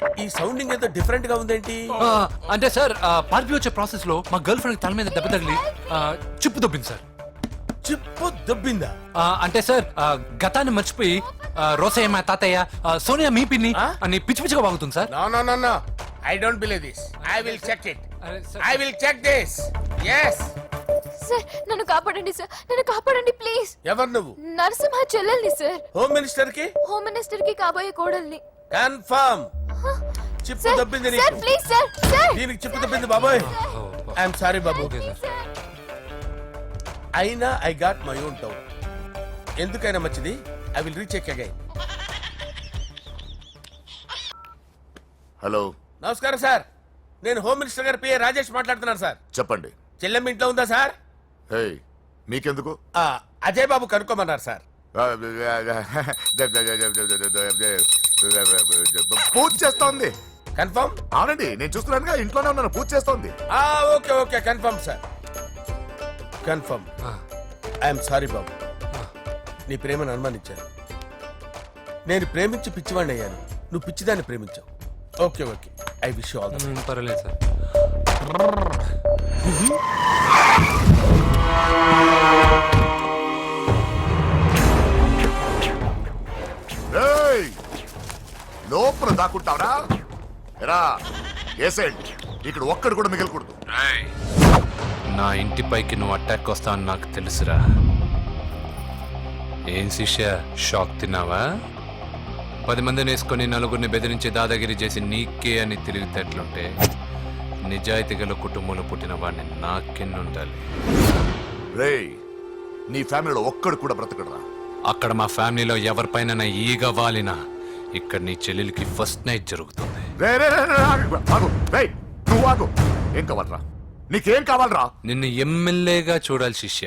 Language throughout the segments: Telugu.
ఈ సౌండింగ్ ఏదో డిఫరెంట్ గా ఉందేంటి? అంటే సార్ పార్టీ వచ్చే ప్రాసెస్ లో మా గర్ల్ ఫ్రెండ్ తల మీద దెబ్బ తగిలి చిప్పు దొబ్బింది సార్. చిప్పు దొబ్బిందా? అంటే సార్ గతాన్ని మర్చిపోయి రోసయ్య మా తాతయ్య సోనియా మీ పిన్ని అని పిచ్చి పిచ్చిగా వాగుతుంది sir. No no no no, I don't believe this. I will check it. I will check this. yes. Sir నన్ను కాపాడండి సార్, నన్ను కాపాడండి ప్లీజ్. ఎవరు నువ్వు? నరసింహ చెల్లెల్ని సార్. హోమ్ మినిస్టర్ కి? హోమ్ మినిస్టర్ కి కాబోయే కోడల్ని. కన్ఫర్మ్. చిప్పు సార్ దొబ్బింది సార్ నీకు. Please sir. సార్ దీనికి చిప్పు దొబ్బింది బాబాయ్. ఐఎమ్ సారీ బాబు. అయినా I got my own town. ఎందుకైనా మంచిది, I will recheck again. Hello, నమస్కారం సార్, నేను హోమ్ మినిస్టర్ గారి పిఏ రాజేష్ మాట్లాడుతున్నాను సార్. చెప్పండి. చెల్లెమ్మ ఇంట్లో ఉందా సార్? హే, మీకెందుకు? అజయ్ బాబు కనుక్కోమన్నారు సార్. పూజ చేస్తోంది. కన్ఫర్మ్? అవునండి, నేను చూస్తున్నానుగా, ఇంట్లోనే ఉన్నాను, పూజ చేస్తోంది. Okay okay, confirm sir, confirm. I'm sorry బాబు, నీ ప్రేమను అనుమానించాను. నేను ప్రేమించి పిచ్చివాడిని అయ్యాను, నువ్వు పిచ్చిదాన్ని ప్రేమించావు. Okay okay, I wish you all the best. పర్వాలేదు సార్. ఏయ్, లోపల దాక్కుంటావరా? ఎరా ఏసేండి, ఇక్కడ ఒక్కడు కూడా మిగలకూడదు. నా ఇంటిపైకి నువ్వు అటాక్ వస్తావని నాకు తెలుసురా. ఏం శిష్య, షాక్ తిన్నావా? 10 మందిని వేసుకొని నలుగురిని బెదిరించి దాదాగిరి చేసి నీకే అని తిరిగితేట్లుంటే నిజాయితీ గల కుటుంబంలో పుట్టిన వాడిని నాకెన్నుండాలి. రేయ్, నీ ఫ్యామిలీలో ఒక్కడు కూడా బ్రతకడరా. అక్కడ మా ఫ్యామిలీలో ఎవరిపైన ఈగ వాలినా ఇక్కడ నీ చెల్లెలికి ఫస్ట్ నైట్ జరుగుతుంది. రే రే రే రే, ఆగు. రేయ్, నువ్వు ఆగు. ఏం కావాలరా? నీకేం కావాలరా? నిన్ను ఎమ్మెల్యేగా చూడాలి శిష్య.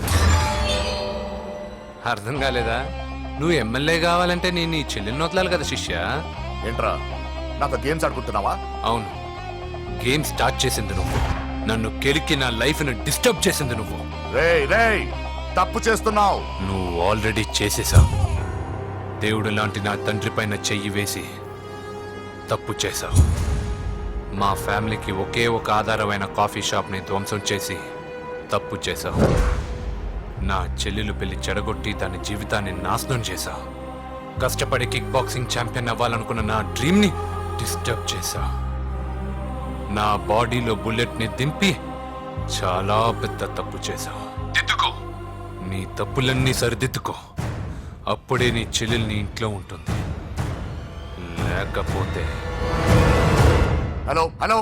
అర్థం కాలేదా? నువ్వు ఎమ్మెల్యే కావాలంటే నేను నీ చెల్లెల్ని వదలాలి కదా శిష్య. ఏంట్రా, నాతో గేమ్స్ ఆడుకుంటున్నావా? అవును, గేమ్ స్టార్ట్ చేసింది నువ్వు. నన్ను కెలికి నా లైఫ్ ను డిస్టర్బ్ చేసింది నువ్వు. రేయ్ రేయ్, తప్పు చేస్తున్నావు. నువ్వు ఆల్రెడీ చేసేసావు. దేవుడు లాంటి నా తండ్రి పైన చెయ్యి వేసి తప్పు చేశావు. మా ఫ్యామిలీకి ఒకే ఒక ఆధారమైన కాఫీ షాప్ని ధ్వంసం చేసి తప్పు చేశావు. నా చెల్లెలు పెళ్లి చెడగొట్టి దాని జీవితాన్ని నాశనం చేశావు. కష్టపడి కిక్ బాక్సింగ్ ఛాంపియన్ అవ్వాలనుకున్న నా డ్రీమ్ని డిస్టర్బ్ చేశావు. నా బాడీలో బుల్లెట్ని దింపి చాలా పెద్ద తప్పు చేశావు. దిద్దుకో, నీ తప్పులన్నీ సరిదిద్దుకో. అప్పుడే నీ చెల్లెలు నీ ఇంట్లో ఉంటుంది. లేకపోతే హలో హలో,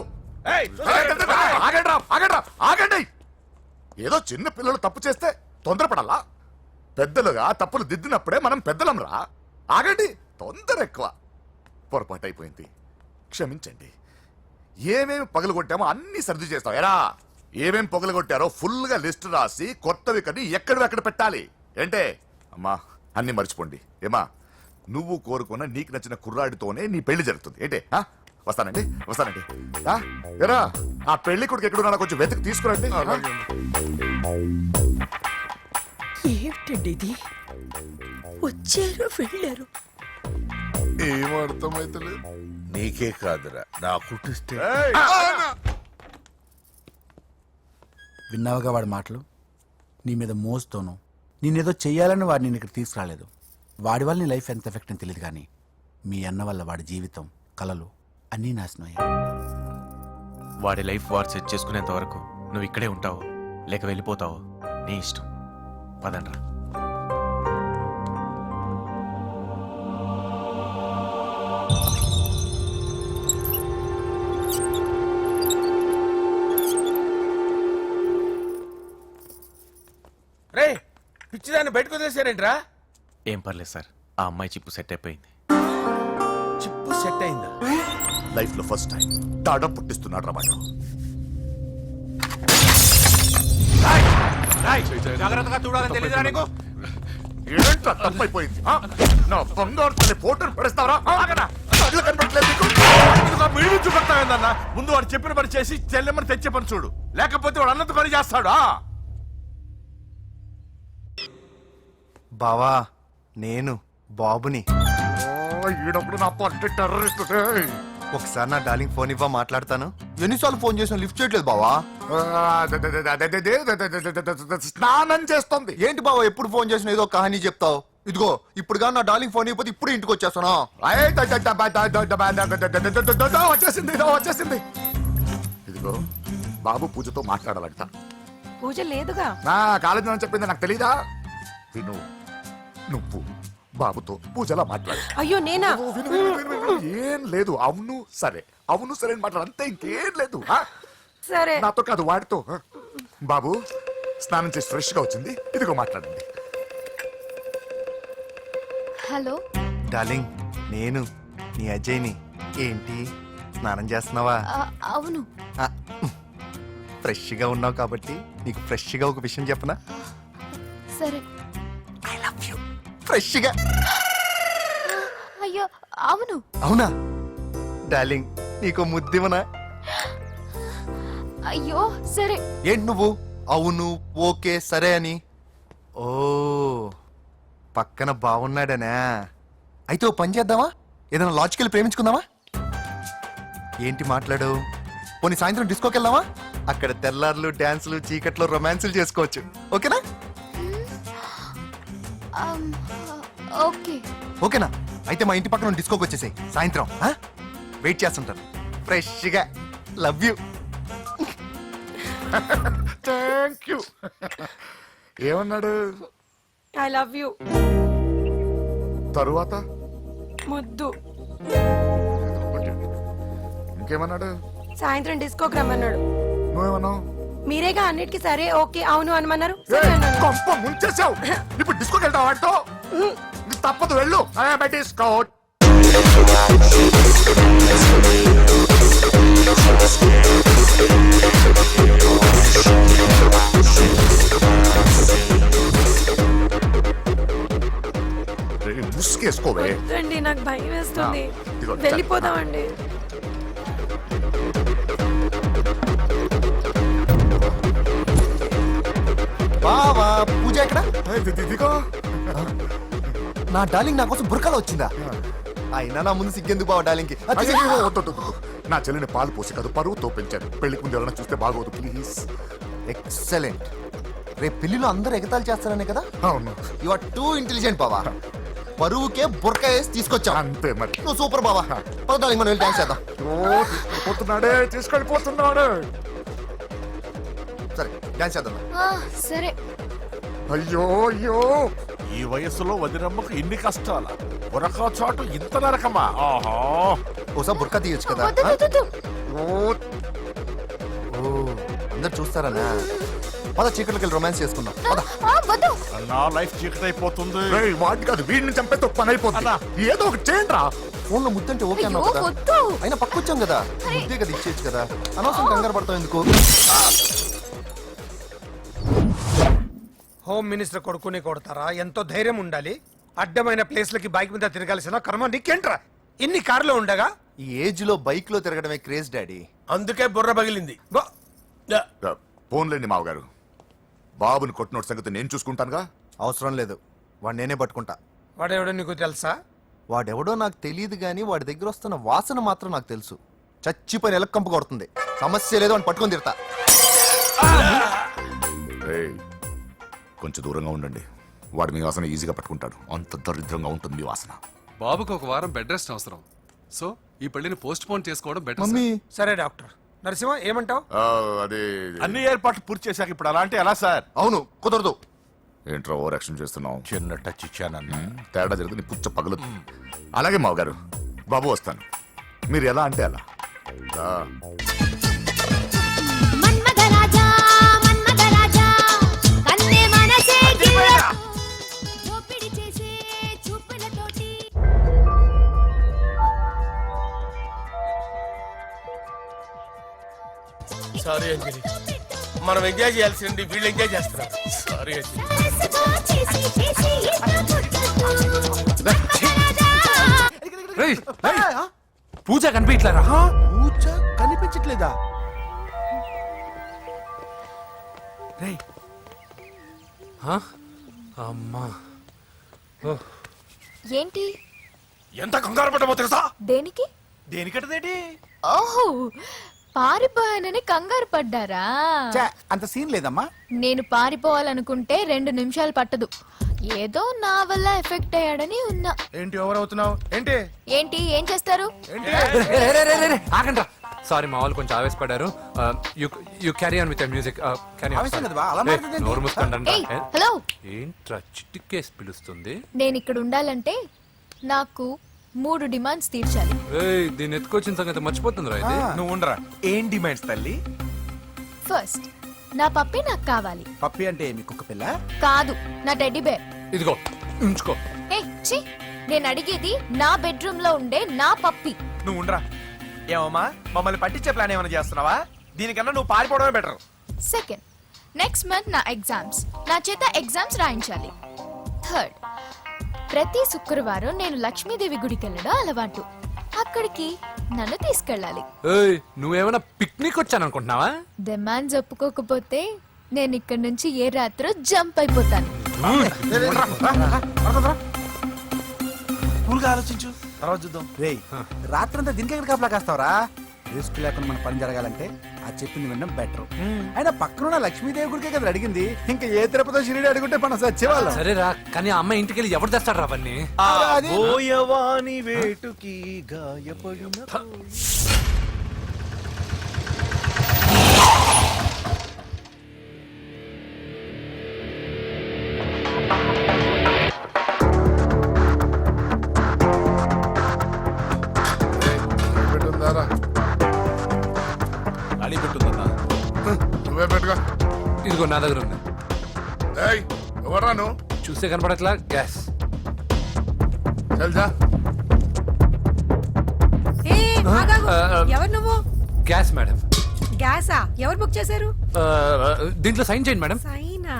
ఆగండి. ఏదో చిన్న పిల్లలు తప్పు చేస్తే తొందరపడాలా? పెద్దలుగా తప్పులు దిద్దినప్పుడే మనం పెద్దలంరా. ఆగండి, తొందర ఎక్కువ. పొరపాటు అయిపోయింది, క్షమించండి. ఏమేమి పగలగొట్టామో అన్ని సర్ది చేస్తాం. ఎరా, ఏమేం పగలగొట్టారో ఫుల్ గా లిస్ట్ రాసి కొత్తవి కని ఎక్కడ పెట్టాలి. ఏంటే అమ్మా, అన్ని మర్చిపోండి. ఏమా, నువ్వు కోరుకున్న నీకు నచ్చిన కుర్రాడితోనే నీ పెళ్లి జరుగుతుంది. ఏంటే వస్తానండి. ఎరా, ఆ పెళ్లి కొడుకు ఎక్కడున్నా కొంచెం వెతికి తీసుకురండి. ఏమిటండి ఇది? వచ్చారు వెళ్ళారు. ఏం అర్థమైతలేదు. నీకే కాదురా, నా కుట్టిస్తే. విన్నావుగా వాడి మాటలు? నీ మీద మోస్తోను నేనేదో చెయ్యాలని వాడిని నేను ఇక్కడ తీసుకురాలేదు. వాడి వల్ల నీ లైఫ్ ఎంత ఎఫెక్ట్ అని తెలియదు, కానీ మీ అన్న వల్ల వాడి జీవితం, కలలు అన్నీ నాశనం అయ్యాయి. వాడి లైఫ్ వాడు సెట్ చేసుకునేంత వరకు నువ్వు ఇక్కడే ఉంటావు, లేక వెళ్ళిపోతావు, నీ ఇష్టం. పదండ్రా. రే, పిచ్చిదాన్ని బయటకు వదిలేసారేంట్రా? ఏం పర్లేదు సార్, ఆ అమ్మాయి చిప్పు సెట్ అయిపోయింది. చిప్పు సెట్ అయిందా? లైఫ్ లో ఫస్ట్ టైం తాడ పుట్టిస్తున్నాడు రా వాడు. జాగ్రత్తగా చూడాలని తెలియదురా నీకు? ఏంట్రా తప్పైపోయింది? నా బంగారు తల్లి ఫోటోను పడేస్తావరా? కళ్ళు కనపడట్లేదు నీకు? చూపెడతావేందన్నా? ముందు వాడు చెప్పిన పని చేసి చెల్లెమ్మని తెచ్చే పని చూడు, లేకపోతే వాడు అన్నది పని చేస్తాడు. బావా, నేను బాబుని. ఈడప్పుడు నా పట్టి టెర్రరిస్ట్. ఒకసారి నా డార్లింగ్ ఫోన్ ఇవ్వ మాట్లాడతాను. ఎన్నిసార్లు ఫోన్ చేసినా లిఫ్ట్ చేయట్లేదు బావా. స్నానం చేస్తుంది. ఏంటి బావా ఎప్పుడు ఫోన్ చేసినా ఏదో కహానీ చెప్తావు. ఇదిగో ఇప్పుడు కానీ నా డార్లింగ్ ఫోన్ ఇవ్వకపోతే ఇప్పుడు ఇంటికి వచ్చేస్తాను. వచ్చేసింది వచ్చేసింది. ఇదిగో బాబు పూజతో మాట్లాడాలంట. పూజ లేదుగా. నా కాలేజీ అని చెప్పింది నాకు తెలీదా? విను, నువ్వు బాబుతో పూజలా మాట్లాడు. అయ్యో నేనా? విను, విను, విను, విను. ఏం లేదు. అవును సరే అని మాట్లాడు అంతే, ఇంకేం లేదు. ఆ? సరే. నాతో కాదు వాడితో. ఆ? బాబు స్నానం చేసి ఫ్రెష్ గా వచ్చింది. ఇదిగో మాట్లాడండి. హలో డార్లింగ్ నేను నీ అజయ్ని. ఏంటి స్నానం చేస్తున్నావా? అవును. ఫ్రెష్ గా ఉన్నావు కాబట్టి నీకు ఫ్రెష్ గా ఒక విషయం చెప్పనా? సరే. I love you. ఫ్రెష్ గా. అయ్యో అవును. అవునా డార్లింగ్ నీకు ముద్దివనా? అయ్యో సరే. ఏంటి నువ్వు అవును ఓకే సరే అని? ఓ పక్కన బాగున్నాడనా? అయితే ఓ పని చేద్దామా? ఏదైనా లాజికల్ ప్రేమించుకుందామా? ఏంటి మాట్లాడు? పోనీ సాయంత్రం డిస్కోకి వెళ్దామా? అక్కడ తెల్లార్లు డాన్సులు చీకట్లో రొమాన్సులు చేసుకోవచ్చు. ఓకేనా? ఓకే. ఓకేనా? అయితే మా ఇంటి పక్కన డిస్కోకి వచ్చేసాయి సాయంత్రం. వెయిట్ చేస్తుంటాను ఫ్రెష్గా. Love you. Thank you. ఏమన్నాడు? I love you. తరువాత ముద్దు. ఇంకేమన్నాడు? సాయంత్రం డిస్కోకి రమ్మన్నాడు. నువ్వేమన్నావు? మీరేగా అన్నిటికీ సరే ఓకే అవును అనమన్నారు. సరే అన్నాను. కొంప ముంచేసావు. ఇప్పుడు డిస్కోకి వెళ్తావు వాటితో? తప్పదు, వెళ్ళు. డిస్కో. ముసుకేసుకోవే. వద్దండి, నాకు భయం వేస్తుంది. ఇదిగో, వెళ్ళిపోదామండి. బావా పూజ ఎక్కడ? ఇదిగో నా డార్లింగ్ నా కోసం బుర్కాలో వచ్చిందా? అయినా నా ముందు సిగ్గెందుకు బావ డార్లింగ్ కి? అయ్యో, వద్దు, వద్దు, వద్దు. నా చెల్లిని పాలు పోసి కాదు పరువుతో పెంచాను. పెళ్లికి ముందు ఎవరైనా చూస్తే బాగోదు ప్లీజ్. ఎక్సలెంట్. రేపు పెళ్లిలో అందరూ ఎగతాళి చేస్తారనే కదా? అవును యు ఆర్ టూ ఇంటెలిజెంట్ బావా. పరువుకే బుర్కా వేసి తీసుకొచ్చా. అంతే మరి. నువ్వు సూపర్ బావా. పద డార్లింగ్ మనం వెళ్ళి డాన్స్ చేద్దాం. పోతున్నాడే, తీసుకెళ్ళిపోతున్నాడు. సరే డాన్స్ చేద్దాం. సరే. అయ్యో అయ్యో, ఈ వయసులో వదినమ్మకు ఇన్ని కష్టాల ఒరక చోటు ఇంత నరకమా? ఆహా. ఓసారి బుర్కా తీయొచ్చు కదా? వద్దు, వద్దు, వద్దు. ఓ అందరు చూస్తారనా? పద చీకట్లోకి వెళ్ళి రొమాన్స్ చేసుకుందాం. పద. వద్దు. నా లైఫ్ చీకటైపోతుంది. రేయ్, వాడి కాదు వీడిని చంపేతో పని అయిపోతుందా? ఏదో ఒకటి చేయండి రా. ఫోన్ లో ముద్దంటే ఓకే అయ్యో, అన్నావు కదా? వద్దు. అయినా పక్కొచ్చాం కదా, ముద్దే కదా ఇచ్చేయచ్చు కదా. అనవసరం కంగారు పడతావు ఎందుకు? హోమ్ మినిస్టర్ కొడుకుని కొడతారా? ఎంతో ధైర్యం ఉండాలి. అడ్డమైన ప్లేస్లకి బైక్ మీద తిరగాల్సిన కర్మ నీకేంట్రా? ఇన్ని కార్లో ఉండగా ఈ ఏజ్ లో బైక్ లో తిరగడమే క్రేజ్ డాడీ. అందుకే బుర్ర పగిలింది. ఫోన్లేండి మావగారు. బాబుని కొట్టినోటి సంగతి నేను చూసుకుంటానుగా. అవసరం లేదు, వాడు నేనే పట్టుకుంటా. వాడెవడో నీకు తెలుసా? వాడెవడో నాకు తెలియదు కానీ వాడి దగ్గర వస్తున్న వాసన మాత్రం నాకు తెలుసు. చచ్చిపోయిన ఎలక్కంపు కొడుతుంది. సమస్య లేదు అని పట్టుకొని తిడతా. రేయ్, కొంచెం దూరంగా ఉండండి. వాడు మీ వాసన ఈజీగా పట్టుకుంటాడు. అంత దరిద్రంగా ఉంటుంది మీ వాసన. బాబుకు ఒక వారం బెడ్ రెస్ట్ అవసరం. సో ఈ పెళ్లిని పోస్ట్ పోన్ చేసుకోవడం బెటర్. మమ్మీ సరే డాక్టర్. నరసింహ ఏమంటావు? అదే అన్ని ఏర్పాట్లు పూర్తి చేశాక ఇప్పుడు అలాంటి ఎలా సార్? అవును కుదరదు. ఏంట్రా ఓవర్ యాక్షన్ చేస్తున్నావు? చిన్న టచ్ ఇచ్చానన్న. తేడా జరిగితే నీ పుచ్చ పగలు. అలాగే మావగారు, బాబు వస్తాను. మీరు ఎలా అంటే అలా. మన్మథరాజా, మన్మథరాజా, కన్నే మనసే దోపిడి చేసే చూపులతోటి. సారీ అంజలి, మనం ఎంజాయ్ చేయాల్సింది వీళ్ళు ఎంజాయ్ చేస్తున్నారు. సారీ అంజలి. చేసి చేసి పూజ కనిపించలేరా? పూజ కనిపించట్లేదా? రేయ్. అమ్మా. ఏంటి? ఎంత కంగారు పడ్డమో తెలుసా? దేనికి? దేనికట్టదేటి ఓహో పారిపోయానని కంగారు పడ్డారా ఛే, అంత సీన్ లేదమ్మా. నేను పారిపోవాలనుకుంటే 2 నిమిషాలు పట్టదు ఏదో నా వల్ల ఎఫెక్ట్ అయ్యాడని ఉన్నా ఏంటి ఓవర్ అవుతున్నావు ఏంటి ఏంటి ఏం చేస్తారు ఆగండి సారీ మా వాళ్ళు కొంచెం ఆవేశపడ్డారు you carry on with music ఆవేశం కదా బా, అలా మాట్లాడేదేంటి? నోరు మూసుకోండి ఏయ్ హలో ఏంట్రా చిటికేసి పిలుస్తుంది నేను ఇక్కడ ఉండాలంటే నాకు 3 డిమాండ్స్ తీర్చాలి ఏయ్ దీన్ని ఎత్తుకొచ్చిన సంగతి మర్చిపోతుందిరా ఇది నువ్వు ఉండరా ఏం డిమాండ్స్ తల్లి ఫస్ట్ నా పప్పి నాకు కావాలి పప్పి అంటే మీ కుక్క పిల్ల? కాదు నా టెడ్డీ బేర్ ఇదిగో ఉంచుకో ఏ ఛీ నేను అడిగేది నా బెడ్రూమ్ లో ఉండే నా పప్పి నువ్వు ఉండరా ఏమమ్మా మమ్మల్ని పట్టించే ప్లాన్ ఏమైనా చేస్తున్నావా దీనికన్నా నువ్వు పారిపోవడమే బెటర్ సెకండ్ నెక్స్ట్ మంత్ నా ఎగ్జామ్స్ నా చేత ఎగ్జామ్స్ రాయించాలి థర్డ్ ప్రతి శుక్రవారం నేను లక్ష్మీదేవి గుడికి వెళ్ళడం అలవాటు అక్కడికి నన్ను తీసుకెళ్ళాలి ఏయ్ నువ్వేమైనా పిక్నిక్ వచ్చాను అనుకుంటున్నావా డిమాండ్స్ ఒప్పుకోకపోతే నేను ఇక్కడి నుంచి ఏ రాత్రో జంప్ అయిపోతాను కూల్గా ఆలోచించు తర్వాత చూద్దాం. రేయ్ రాత్రంతా దీనికి ఎక్కడ కాపలా కాస్తావరా? రిస్క్ లేకుండా మన పని జరగాలంటే అది చెప్పింది వినడం బెటర్. అయినా పక్కనున్న లక్ష్మీదేవి గుడికే కదా అడిగింది, ఇంకా ఏ తిరుపతి షిరిడి అడుగుంటే మనం సచ్చేవాళ్ళం. సరేరా కానీ ఆ అమ్మాయి ఇంటికి వెళ్ళి ఎవరు తెస్తాడు అవన్నీ అది- బోయవాని వేటుకి గాయపడిన పెట్టుందారా అడి పెట్టుందన్నా నువ్వే పెట్టుకో. ఇదిగో నా దగ్గర ఉంది ఏయ్ ఎవరా నువ్వు? చూస్తే కనపడట్లా గ్యాస్ తెలుసా? ఏ, ఆగాగు. ఎవరు నువ్వు? గ్యాస్ మేడం గ్యాసా? ఎవరు బుక్ చేశారు? దీంట్లో సైన్ చేయండి మేడం సైనా?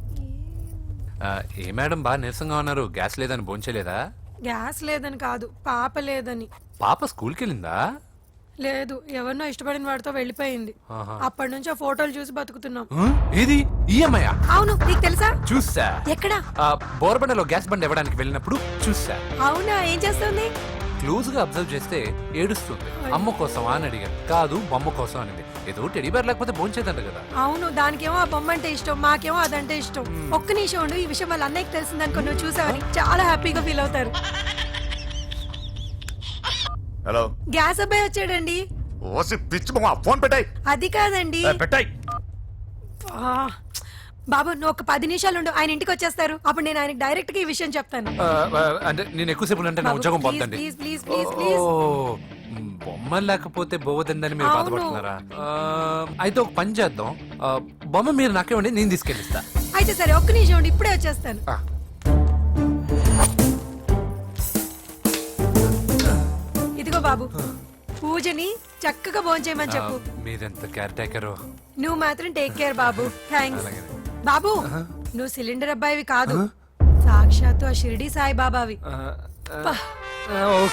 ఏ మేడం బాగా నీరసంగా ఉన్నారు గ్యాస్ లేదని భోంచలేదా గ్యాస్ లేదని కాదు, పాప లేదని. పాప స్కూల్కి వెళ్ళిందా లేదు, ఎవరినో ఇష్టపడిన వాడితో వెళ్ళిపోయింది. ఆహా. అప్పటి నుంచి ఆ ఫోటోలు చూసి బతుకుతున్నాం. ఏది ఈఎంఐ అవును, నీకు తెలుసా? చూసా ఎక్కడ? బోర్బండలో గ్యాస్ బండ్ ఇవ్వడానికి వెళ్ళినప్పుడు చూసా అవునా, ఏం చేస్తుంది? క్లోజ్ గా అబ్జర్వ్ చేస్తే ఏడుస్తుంది అమ్మ కోసం అని అడిగాను కాదు బొమ్మ కోసం అనింది ఏదో టెడీ బేర్ లేకపోతే భోంచేదంట కదా అవును, దానికేమో ఆ బొమ్మ అంటే ఇష్టం, మాకేమో అదంటే ఇష్టం. ఒక్క నిమిషం ఉండు, ఈ విషయం వాళ్ళ అన్నయ్యకి తెలిసిందనుకో, నువ్వు చూసావని చాలా హ్యాపీగా ఫీల్ అవుతారు. హలో గ్యాస్ అబ్బాయి వచ్చాడండి. ఓసి పిచ్చి మా ఫోన్ పెట్టాయి. అది కాదండి. పెట్టాయి ఆ, బాబు నువ్వు ఒక 10 నిమిషాలు ఉండు, ఆయన ఇంటికి వచ్చేస్తారు. అప్పుడు నేను ఆయనకి డైరెక్ట్ గా ఈ విషయం చెప్తాను. అంటే నేను ఎక్కువసేపు అంటే నా బాబు, ఉద్యోగం ప్లీజ్, పోతండి ప్లీజ్, ప్లీజ్, ప్లీజ్, ప్లీజ్. బొమ్మ లేకపోతే బోవదందని మీరు అవును. బాధపడుతున్నారా అయితే ఒక పని చేద్దాం బొమ్మ మీరు నాకేమండి నేను తీసుకెళ్ళిస్తా అయితే సరే, ఒక్క నిమిషం ఉండు, ఇప్పుడే వచ్చేస్తాను. ఆ. ఇదిగో బాబు, పూజని చక్కగా భోంచేయమని చెప్పు. మీరెంత కేర్ టేకరు నువ్వు మాత్రం టేక్ కేర్ బాబు. థ్యాంక్స్ బాబు. నువ్వు సిలిండర్ అబ్బాయివి కాదు, సాక్షాత్తు ఆ షిరిడి సాయి బాబావి. ఓకే